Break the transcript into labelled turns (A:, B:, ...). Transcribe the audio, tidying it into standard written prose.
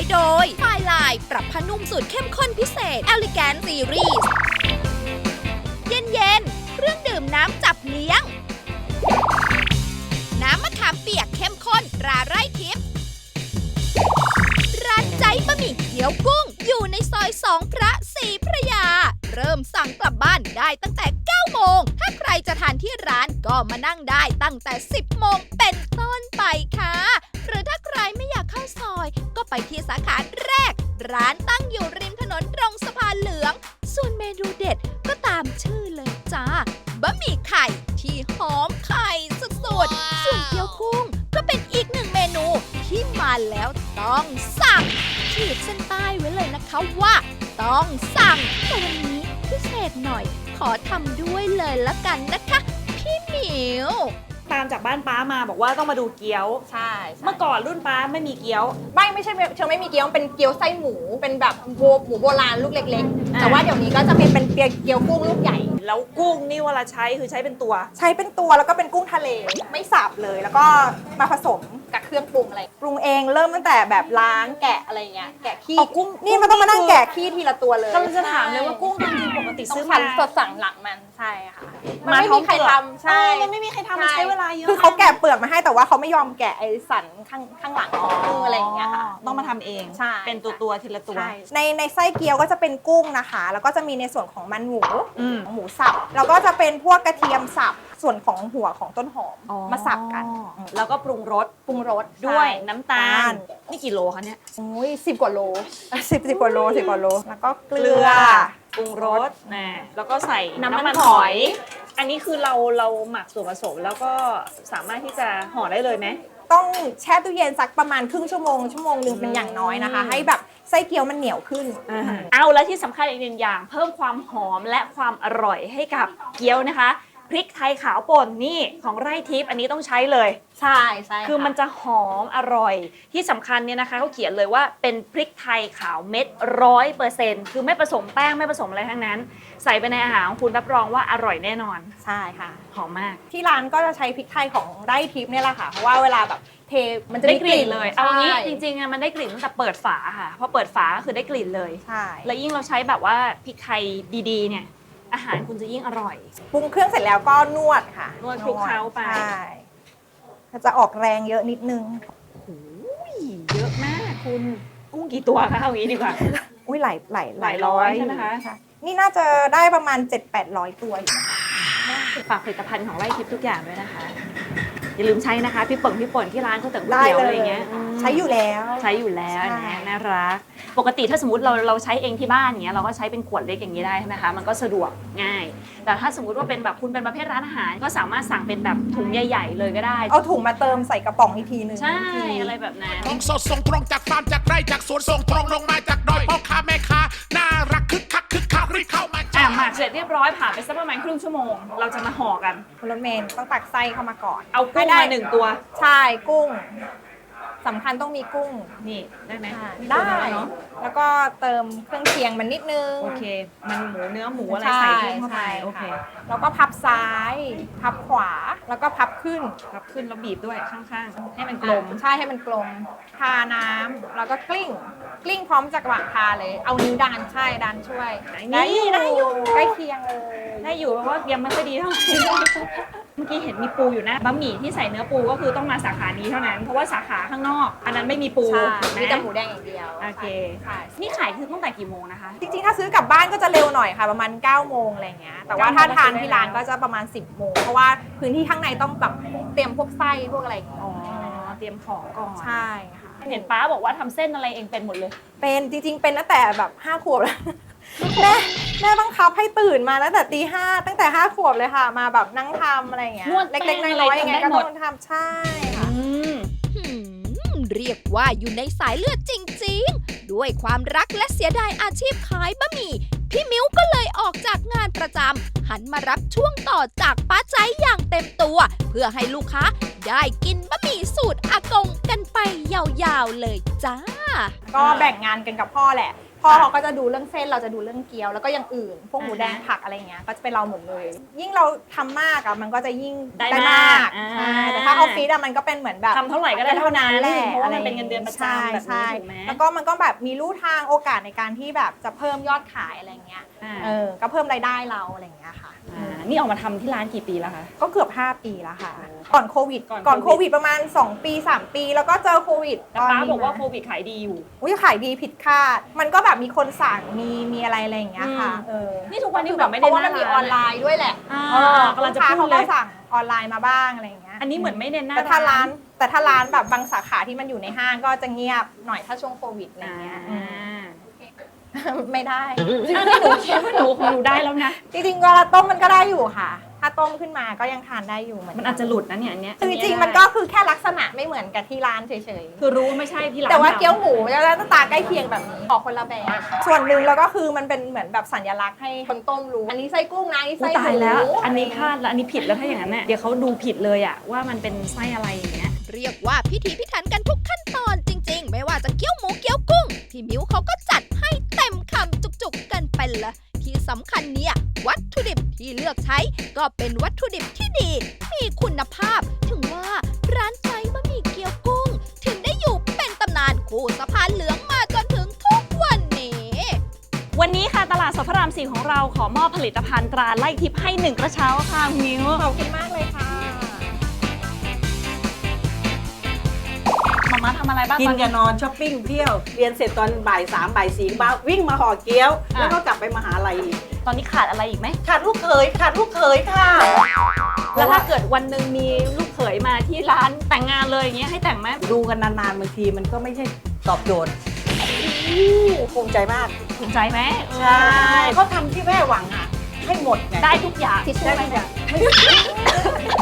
A: โดยไฟลายปรับผ้านุ่มสูตรเข้มข้นพิเศษ Elegant Series เย็นๆเครื่องดื่มน้ำจับเลี้ยง น้ำมะขามเปียกเข้มข้นตราไร่ทิพย์ร้านใจบะหมี่เกี๊ยวกุ้งอยู่ในซอย2พระศรีพระยา เริ่มสั่งกลับบ้านได้ตั้งแต่ 9 โมง ถ้าใครจะทานที่ร้านก็มานั่งได้ตั้งแต่ 10 โมงเป็นต้นไปค่ะ หรือถ้าใครไม่อยากเข้าซอย ก็ไปที่สาขาแรก ร้านตั้งอยู่ริมถนนตรงสะพานเหลือง ส่วนเมนูเด็ดก็ตามชื่อเลยจ้า บะหมี่ไข่ที่หอมไข่สุดๆ ส่วนเกี๊ยวกุ้งก็เป็นอีกหนึ่งเมนูที่มาแล้วต้องสั่งขีดเส้นใต้ไว้เลยนะคะว่า ต้องสั่งแต่วันนี้พิเศษหน่อย ขอทำด้วยเลยละกันนะคะ พี่หมิว
B: ตามจากบ้านป้ามาบอกว่าต้องมาดูเกี๊ยว
C: ใช่
B: เมื่อก่อนรุ่นป้าไม่มีเกี๊ยว
C: ไม่ใช่เชิงไม่มีเกี๊ยวเป็นเกี๊ยวไส้หมูเป็นแบบหมูโบราณลูกเล็กๆ
B: อ่า
C: แต่ว่าเดี๋ยวนี้ก็จะเป็นเกี๊ยวกุ้งลูกใหญ่
B: แล้วกุ้งนี่เวลาใช้คือใช้เป็นตัว
C: ใช้เป็นตัวแล้วก็เป็นกุ้งทะเลไม่สับเลย แล้วก็มาผสมกับเครื่องปรุงอะไรปรุงเองเริ่มตั้งแต่แบบล้างแกะอะไรเงี้ยแกะขี้
B: อ๋อกุ้ง
C: นี่มันต้องมานั่งแกะขี้ทีละตัวเลย
B: ก็จะถามเลยว่ากุ้งจริงๆปกติ
C: ต้
B: ซื้
C: อ
B: อง มา
C: สดสั่งหลังมันใช่ค่ะมัน
B: มา
C: ไม่
B: พร้อ
C: มี
B: ม
C: ใคร
B: เปลือก
C: ทำใช่
B: มันไม่มีใครทำมันใช้เวลาเยอะ
C: คือเขาแกะเปลือกมาให้แต่ว่าเขาไม่ยอมแกะไอ้สันข้างหลังของกุ้งอะไรอย่างเงี้ยค่ะ
B: ต้องมาทำเอง
C: ใช่
B: เป็นตัวทีละตัว
C: ใช่ในไส้เกี๊ยวก็จะเป็นกุ้งนะคะ แล้วก็จะมีในส่วนของมันหมู
B: อืม
C: หมูสับ แล้วก็จะเป็นพวกกระเทียมสับ ส่วนของหัวของต้นหอมมาสับกัน
B: แล้วก็ปรุงรส
C: ปรุงรส
B: ด้วย
C: ใช่
B: น้ำตาลนี่กี่โลคะเนี่ย
C: โอ้ย10 กว่าโล10 กว่าโล10 กว่าโล แล้วก็เกลือ
B: ปรุงรสนะแล้วก็ใส่
C: น้ำมัน
B: น้ำมัน
C: ห
B: ห
C: อ
B: อย ย อันนี้คือเราหมักส่วนผสมแล้วก็สามารถที่จะห่อได้เลยไหม
C: ต้องแช่ตู้เย็นสักประมาณครึ่งชั่วโมงนึงเป็นอย่างน้อยนะคะ ให้แบบไส้เกี๊ยวมันเหนียวขึ้น
B: เอาแล้วที่สำคัญอีกหนึ่งอย่าง เพิ่มความหอมและความอร่อยให้กับเกี๊ยวนะคะพริกไทยขาวป่นนี่ของไร่ทิพย์อันนี้ต้องใช้เลย
C: ใช่ะ
B: คือมันจะหอมอร่อย ที่สำคัญเนี่ยนะคะเขาเขียนเลยว่าเป็นพริกไทยขาวเม็ด100%คือไม่ผสมแป้งไม่ผสมอะไรทั้งนั้น ใส่ไปในอาหารของคุณรับรองว่าอร่อยแน่นอน
C: ใช่ค่ะ
B: หอมมาก
C: ที่ร้านก็จะใช้พริกไทยของไร่ทิพย์เนี่ยแหละค่ะ เพราะว่าเวลาแบบเทมันจะ
B: ได้
C: ได้
B: ก
C: ก
B: ลิ่
C: ลิ่
B: น
C: น
B: เลย
C: ใช่
B: เอางี้จริงๆอะมันได้กลิ่นตั้งแต่เปิดฝาค่ะพอเปิดฝาก็คือได้กลิ่นเลย
C: ใช่
B: แล้วยิ่งเราใช้แบบว่าพริกไทยดีๆเนี่ยอาหารคุณจะยิ่งอร่อย
C: ปรุงเครื่องเสร็จแล้วก็นวดค่ะ
B: นวดคลุกเคล้าไป
C: ใช่จะออกแรงเยอะนิดนึง
B: เยอะมากคุณกุ้งกี่ตัวคะเอางี้ดีกว่า
C: อุ้ยหลาย
B: หลายร้อยใช่ไหมคะ
C: นี่น่าจะได้ประมาณ 700-800 ตัวอยู่นะคะ
B: ฝากผลิตภัณฑ์ของไร่ทิพย์ทุกอย่างด้วยนะคะ อย่าลืมใช้นะคะพี่ป่นที่ร้านเขาแต่งก๋วย
C: ได้
B: เตี๋ยว
C: เล
B: อะไร
C: ย
B: อย่างเงี้ย
C: ใช้อยู่แล้ว
B: ใช้อยู่แล้ว
C: ใช่
B: นะน่ารักปกติถ้าสมมติเราใช้เองที่บ้านอย่างเงี้ยเราก็ใช้เป็นขวดเล็กอย่างนี้ได้ใช่ไหมคะมันก็สะดวกง่าย แต่ถ้าสมมติว่าเป็นแบบคุณเป็นประเภทร้านอาหาร ก็สามารถสั่งเป็นแบบถุงใหญ่ๆเลยก็ได้
C: เอาถุงมาเติมใส่กระป๋องอีกทีนึง
B: ใช่
C: ที
B: อะไรแบบนั้น
D: ของสดส่งตรงจากฟาร์มจากไร่จากสวนส่งตรงลงมาจากดอยพ่อค้าแม่ค้าน่ารักคึกคักรีบเข้ามาจ้า
B: หมักเสร็จเรียบร้อยผ่านไปสักประมาณครึ่งชั่วโมง เราจะมาห่อกัน
C: คุณรถเมล์ต้องตักไส้เข้ามาก่อน
B: เอากุ้งมา1 ตัว
C: ใช่กุ้งสำคัญต้องมีกุ้ง
B: นี่ได้ไหม
C: ได้
B: เนาะ
C: แล้วก็เติมเครื่องเคียงมันนิดนึง
B: โอเค มันหมูเนื้อหมูอะไร
C: ใช่
B: ใส่กุ้งเข้าไป
C: ใช่
B: โอเค
C: ค่ะแล้วก็พับซ้าย พับขวาแล้วก็พับขึ้น
B: ครับขึ้นแล้วบีบด้วยข้างๆ ให้มันกลม
C: ใช่ให้มันกลมทาน้ำแล้วก็กลิ้งพร้อมจากระหว่างทาเลย เอานิ้วดันใช่ดันช่วย
B: นี่ได้อยู่
C: ใกล้เคียงเลย
B: ได้อยู่เพราะว่ายังไม่ค่อยดีเท่าไหร่ เมื่อกี้เห็นมีปูอยู่นะบะหมี่ที่ใส่เนื้อปูก็คือต้องมาสาขานี้เท่านั้น เพราะว่าสาขาข้างนอก อันนั้นไม่มีปู
C: ใช่
B: นะ
C: มีแต่หมูแดงอย่างเดียว
B: โอเค
C: ใช่
B: นี่ขายคือตั้งแต่กี่โมงนะคะ
C: จริงๆ ถ้าซื้อกลับบ้านก็จะเร็วหน่อยค่ะ ประมาณ 9 โมงอะไรเงี้ย แต่ว่าถ้าทานที่ร้านก็จะประมาณ 10 โมง เพราะว่าพื้นที่ข้างในต้องแบบเตรียมพวกไส้พวกอะไรอย่างเงี้ย
B: อ๋อ เตรียมของก่อน
C: ใช่ค่ะ
B: เห็นป้าบอกว่าทำเส้นอะไรเองเป็นหมดเลย
C: เป็นจริงๆ เป็นตั้งแต่แบบ5 ขวบแล้ว แม่บังคับให้ตื่นมาตั้งแต่ตี 5ตั้งแต่5 ขวบเลยค่ะ มาแบบนั่งทำอะไรอย่างเงี้ย
B: นวดแป้
C: เล็ก
B: ง
C: ๆ น้
B: อะไร
C: อยๆยังไงก็
B: ทำได้หม
C: ต้
B: ด
C: องทำใช่ค่ะ
A: เรียกว่าอยู่ในสายเลือดจริงๆ ด้วยความรักและเสียดายอาชีพขายบะหมี่ พี่มิ้วก็เลยออกจากงานประจำหันมารับช่วงต่อจากป้าใจอย่างเต็มตัว เพื่อให้ลูกค้าได้กินบะหมี่สูตรอากงกันไปยาวๆเลยจ้า
C: ก็แบ่งงานกันกับพ่อแหละ พพ่อเขาก็จะดูเรื่องเส้นเราจะดูเรื่องเกี๊ยวแล้วก็อย่างอื่น พวกหมูแดงผักอะไรเงี้ยก็จะเป็นเราหมดเลย ยิ่งเราทำมากอะมันก็จะยิ่ง
B: ได้
C: ได้
B: มาม
C: าก กใช่แต่ถ้าออฟฟิศอะมันก็เป็นเหมือนแบบ
B: ทำเท่าไหร่ก็ได้เท่านั้น
C: แหละ
B: เพราะว่ามันเป็นเงินเดือนประจำแบบ
C: ใช่
B: นี้ถูกไหม
C: แล้วก็มันก็แบบมีลู่ทางโอกาสในการที่แบบจะเพิ่มยอดขายอะไรเงี้ย ก็เพิ่มรายได้เราอะไรเงี้ยค่ะ
B: นี่ออกมาทำที่ร้านกี่ปีแล้วคะ
C: ก็เกือบ5 ปีแล้วค่ะ ก่อนโควิด
B: ก่อนโควิด
C: ประมาณ2 ปี 3 ปี แล้วก็เจอโควิด
B: แต่ป้าบอกว่าโควิดขายดีอยู่
C: อุ้ยขายดีผิดคาด มันก็แบบมีคนสั่งมีอะไรอย่างเงี้ยค่ะ
B: นี่ทุกวันนี้
C: คือ
B: แบบไม่
C: เพ
B: ได้
C: ราะว่ามันมี
B: หน้า
C: อ
B: ร้าน
C: อนไลน์ด้วยแหละ
B: กำลังจะ
C: ลูกค้า
B: พู
C: เขา
B: ดเล
C: ก็
B: ย
C: สั่งออนไลน์มาบ้างอะไรอย่างเงี้ย
B: อันนี้เหมือนไม่เน้นหน้า
C: แต่ถ้าร้านแบบบางสาขาที่มันอยู่ในห้างก็จะเงียบหน่อยถ้าช่วงโควิดอะไรเงี้ยไม่ได้
B: อันนี้หนูคิดว่าหนูคงดูได้แล้วนะ
C: จริงๆเวลาต้มมันก็ได้อยู่ค่ะ ถ้าต้มขึ้นมาก็ยังทานได้อยู่เหมือน
B: มันอาจจะหลุดนะเนี่ยอันเนี้ย
C: คือจริงๆมันก็คือแค่ลักษณะไม่เหมือนกับที่ร้านเฉยๆ
B: คือรู้ว่าไม่ใช่ที่ร้าน
C: แต่ว่าเกี๊ยวหมูจะหน้าตาใกล้เคียงแบบนี้ออกคนละแบบส่วนหนึ่งแล้วก็คือมันเป็นเหมือนแบบสัญลักษณ์ให้คนต้มรู้ อันนี้ไส้กุ้งนะอันนี้
B: อุ๊
C: ไส้
B: ย
C: ห
B: ตาย
C: มู
B: แล้ว อันนี้พลาดแล้วอันนี้ผิดแล้วถ้าอย่างนั้นเนี่ยเดี๋ยวเขาดูผิดเลยอะว่ามันเป็นไส้อะไรอย่างเงี้ย
A: เรียกว่าพิถีพิถันกันทุกขั้นตอนจริงๆ ไม่ว่าจะเกี๊ยวหมูเกี๊ยวกุ้ง พี่มิ้วเขาก็จัดให้เต็มคำจุกๆกันไปละที่สำคัญเนี่ยวัตถุดิบที่เลือกใช้ก็เป็นวัตถุดิบที่ดี มีคุณภาพ ถึงว่าร้านใจบะหมี่เกี๊ยวกุ้ง ถึงได้อยู่เป็นตำนานคู่สะพานเหลืองมาจนถึงทุกวันนี้
B: วันนี้ค่ะตลาดสดพระราม 4ของเราขอมอบผลิตภัณฑ์ตราไล่ทิพย์ให้1กระเช้าค่ะคุณมิ้ว
C: ขอบคุณมากเลยค่ะ
B: มาม่าทำอะไรบ้าง
E: กิน
B: ตอน
E: กั
B: นี้
E: บนอนช้อปปิ้งเที่ยว เรียนเสร็จตอนบ่าย3บ่าย4บ้าวิ่งมาห่อเกี๊ยว แล้วก็กลับไปมหาลัยอีก
B: ตอนนี้ขาดอะไรอีกไหม
E: ขาดลูกเขยค่ะ
B: แล้วถ้าเกิดวันหนึ่งมีลูกเขยมาที่ร้านแต่งงานเลยอย่างเงี้ยให้แต่งไหม
E: ดูกันนานๆบางทีมันก็ไม่ใช่ตอบโจทย์ภูมิใจมาก
B: ภูมิใจไหม
E: ใช่เขาทำที่แม่หวังอ่ะ ให้หมดไง
B: ได้ทุกอย่าง
C: ทิชชู่
E: ได้
C: ไหม
E: ทุกอย่าง